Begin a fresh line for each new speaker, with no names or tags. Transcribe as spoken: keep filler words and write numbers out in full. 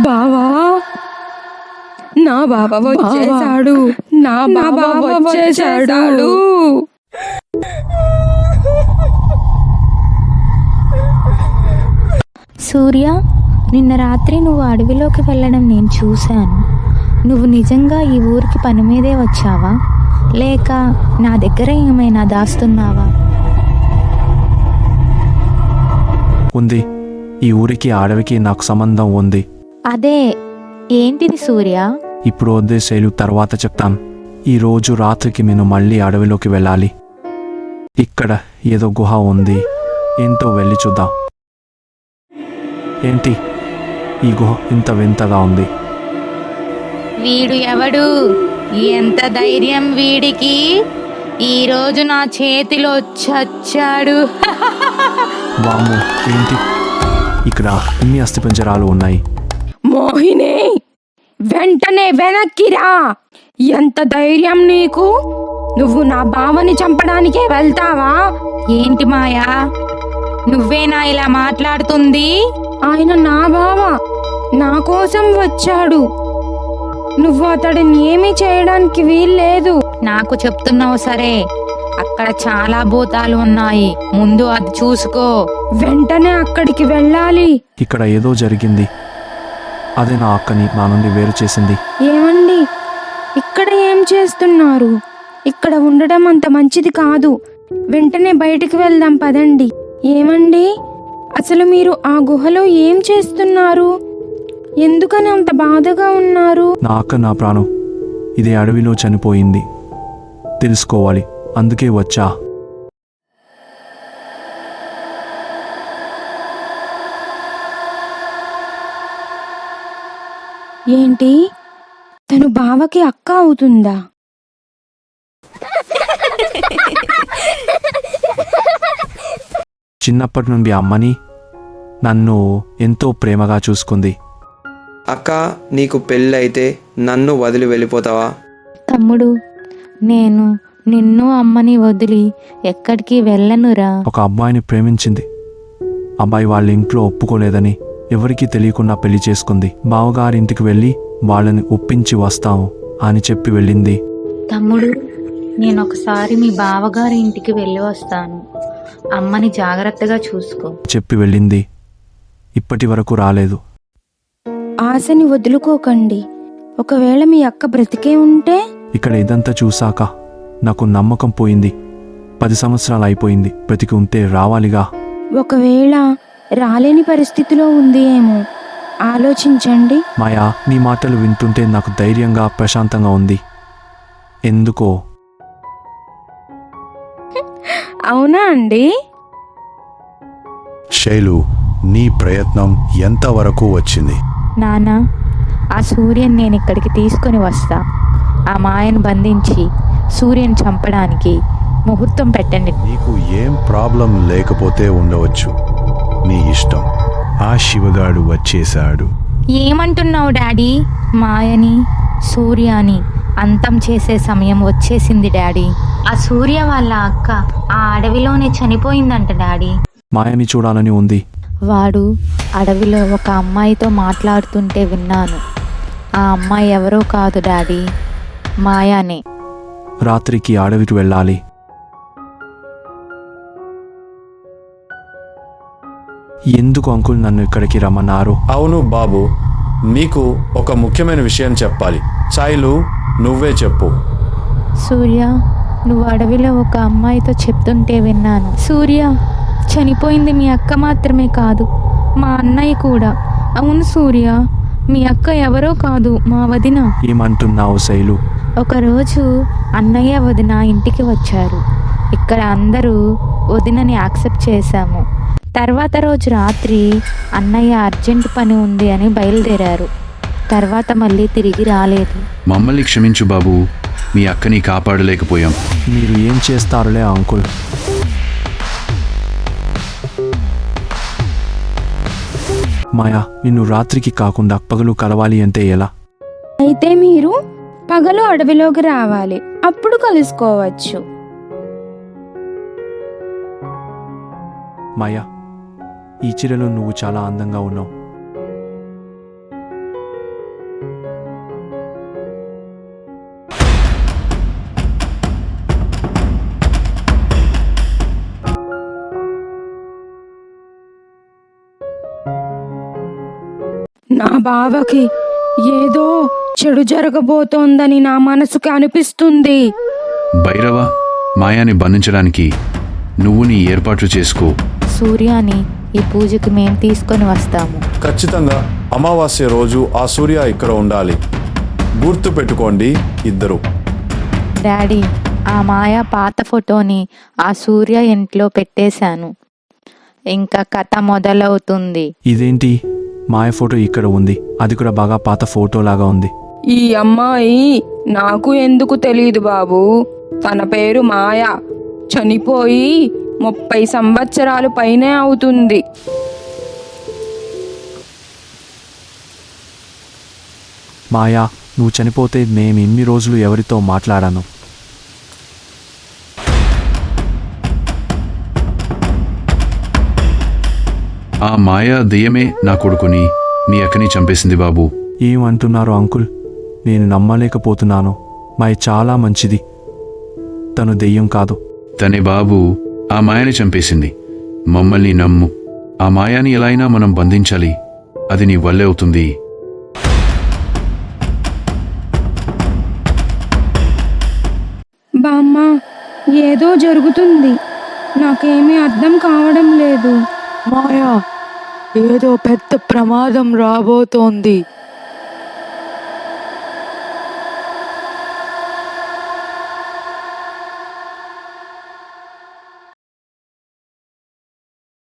బావా, నా బావ వచ్చేసాడు, నా బావ వచ్చేసాడు.
సూర్య, నిన్న రాత్రి నువ్వు అడవిలోకి వెళ్ళడం నేను చూశాను. నువ్వు నిజంగా ఈ ఊరికి పని మీదే వచ్చావా, లేక నా దగ్గర ఏమైనా దాస్తున్నావా?
ఉంది. ఈ ఊరికి అడవికి నాకు సంబంధం ఉంది.
అదే, ఏంటిది సూర్య?
ఇప్పుడు వద్దే శైలు, తర్వాత చెప్తాను. ఈ రోజు రాత్రికి నేను మళ్ళీ అడవిలోకి వెళ్ళాలి. ఇక్కడ ఏదో గుహ ఉంది, ఏంటో వెళ్ళి చూద్దాం. ఏంటి ఈ గుహ ఇంత వింతగా ఉంది?
వీడు ఎవడు? ఎంత ధైర్యం వీడికి! ఈరోజు నా చేతిలో చచ్చాడు.
వామ్మో, ఏంటి ఇక్కడ ఇన్ని అస్థిపంజరాలు ఉన్నాయి?
మోహిని, వెంటనే వెనక్కిరా! ఎంత ధైర్యం నీకు? నువ్వు నా బావని చంపడానికే వెళ్తావా?
ఏంటి మాయా, నువ్వేనా ఇలా మాట్లాడుతుంది?
ఆయన నా బావ, నా కోసం వచ్చాడు. నువ్వు అతడిని ఏమీ చేయడానికి వీల్లేదు.
నాకు చెప్తున్నావు సరే, అక్కడ చాలా భూతాలు ఉన్నాయి, ముందు అది చూసుకో.
వెంటనే అక్కడికి వెళ్ళాలి.
ఇక్కడ ఏదో జరిగింది. అదే నా అక్కని నా నుండి వేరు చేసింది.
ఏమండి, ఇక్కడ ఏం చేస్తున్నారు? ఇక్కడ ఉండడం అంత మంచిది కాదు. వెంటనే బయటికి వెళ్దాం పదండి. ఏమండి, అసలు మీరు ఆ గుహలో ఏం చేస్తున్నారు? ఎందుకని అంత బాధగా ఉన్నారు?
నా అక్క నా ప్రాణం. ఇది అడవిలో చనిపోయింది, తెలుసుకోవాలి, అందుకే వచ్చా.
ఏంటి, తను బావకి అక్క అవుతుందా?
చిన్నప్పటి నుండి అమ్మని నన్ను ఎంతో ప్రేమగా చూసుకుంది.
అక్క, నీకు పెళ్ళైతే నన్ను వదిలి వెళ్ళిపోతావా?
తమ్ముడు, నేను నిన్ను అమ్మని వదిలి ఎక్కడికి వెళ్ళనురా.
ఒక అబ్బాయిని ప్రేమించింది. అబ్బాయి వాళ్ళ ఇంట్లో ఒప్పుకోలేదని ఎవరికీ తెలియకుండా పెళ్లి చేసుకుంది. బావగారింటికి వెళ్ళి వాళ్ళని ఒప్పించి వస్తాము అని చెప్పి వెళ్ళింది.
తమ్ముడు, నేను ఒకసారి మీ బావగారి ఇంటికి వెళ్ళి వస్తాను, అమ్మని జాగ్రత్తగా చూసుకో
చెప్పి వెళ్ళింది. ఇప్పటి వరకు రాలేదు.
ఆశని వదులుకోకండి. ఒకవేళ మీ అక్క బ్రతికే ఉంటే?
ఇక్కడ ఇదంతా చూశాక నాకు నమ్మకం పోయింది. పది సంవత్సరాలు అయిపోయింది. బ్రతికి ఉంటే రావాలిగా.
ఒకవేళ రాలేని పరిస్థితిలో ఉంది ఏమో, ఆలోచించండి.
మాయా, నీ మాటలు వింటుంటే నాకు ధైర్యంగా ప్రశాంతంగా ఉంది. ఎందుకో.
అవునా అండి?
శైలు, నీ ప్రయత్నం ఎంతవరకు వచ్చింది?
నాన్న, ఆ సూర్యని నేను ఇక్కడికి తీసుకొని వస్తా. ఆ మాయను బంధించి సూర్యని చంపడానికి ముహూర్తం పెట్టండి.
నీకు ఏం ప్రాబ్లం లేకపోతే ఉండవచ్చు, నీ ఇష్టం. ఆ శివగాడు వచ్చేశాడు.
ఏమంటున్నావు డాడీ? మాయని, సూర్యాని అంతం చేసే సమయం వచ్చేసింది డాడీ. ఆ సూర్య వాళ్ళ అక్క ఆ అడవిలోనే చనిపోయిందంట డాడీ.
మాయని చూడాలని ఉంది.
వాడు అడవిలో ఒక అమ్మాయితో మాట్లాడుతుంటే విన్నాను. ఆ అమ్మాయి ఎవరో కాదు డాడీ, మాయానే.
రాత్రికి అడవికి వెళ్ళాలి. ఎందుకు అంకుల్ నన్ను ఇక్కడికి రమ్మన్నారు?
అవును బాబు, నీకు ఒక ముఖ్యమైన విషయం చెప్పాలి. సాయిలు, నువ్వే చెప్పు.
సూర్య, నువ్వు అడవిలో ఒక అమ్మాయితో చెప్తుంటే విన్నాను. సూర్య, చనిపోయింది మీ అక్క మాత్రమే కాదు, మా అన్నయ్య కూడా. అవును సూర్య, మీ అక్క ఎవరో కాదు, మా వదిన.
ఏమంటున్నావు శైలు?
ఒకరోజు అన్నయ్య వదిన ఇంటికి వచ్చారు. ఇక్కడ అందరూ వదినని యాక్సెప్ట్ చేశాము. తర్వాత రోజు రాత్రి అన్నయ్య అర్జెంట్ పని ఉంది అని బయలుదేరారు. తర్వాత మళ్ళీ తిరిగి రాలేదు.
మమ్మల్ని క్షమించు బాబు, మీ అక్కని కాపాడలేకపోయాం.
మీరు ఏం చేస్తారులే అంకుల్. మాయా, నిన్ను రాత్రికి కాకుండా పగలు కలవాలి అంటే ఎలా?
అయితే మీరు పగలు అడవిలోకి రావాలి, అప్పుడు కలుసుకోవచ్చు.
మాయా, ఈ చీరలో నువ్వు చాలా అందంగా ఉన్నావు.
నా బావకి ఏదో చెడు జరగబోతోందని నా మనసుకి అనిపిస్తుంది.
భైరవ, మాయాని బంధించడానికి నువ్వు నీ ఏర్పాట్లు చేసుకో.
సూర్యాని ఈ పూజకి మేము తీసుకొని వస్తాము.
ఖచ్చితంగా అమావాస్య రోజు ఆ సూర్య ఇక్కడ ఉండాలి. గుర్తు పెట్టుకోండి ఇద్దరు.
డాడీ, ఆ మాయా పాత ఫోటోని ఆ సూర్య ఇంట్లో పెట్టేశాను. ఇంకా కథ మొదలవుతుంది.
ఇదేంటి, మాయ ఫోటో ఇక్కడ ఉంది, అది కూడా బాగా పాత ఫోటో లాగా ఉంది.
ఈ అమ్మాయి నాకు ఎందుకు తెలియదు బాబు. తన పేరు మాయ. చనిపోయి ముప్పై సంవత్సరాలు పైనే అవుతుంది.
మాయా, నువ్వు చనిపోతే నేను ఇన్ని రోజులు ఎవరితో మాట్లాడాను?
ఆ మాయా దెయ్యమే నా కొడుకుని, మీ అక్కని చంపేసింది బాబు.
ఏమంటున్నారు అంకుల్? నేను నమ్మలేకపోతున్నాను. మాయ చాలా మంచిది, తను దెయ్యం కాదు.
తనే బాబు, ఆ మాయని చంపేసింది. మమ్మల్ని నమ్ము. ఆ మాయాని ఎలా అయినా మనం బంధించాలి. అది నీ వల్లే అవుతుంది.
బామ్మ, ఏదో జరుగుతుంది, నాకేమీ అర్థం కావడం లేదు.
మాయా, ఏదో పెద్ద ప్రమాదం రాబోతోంది.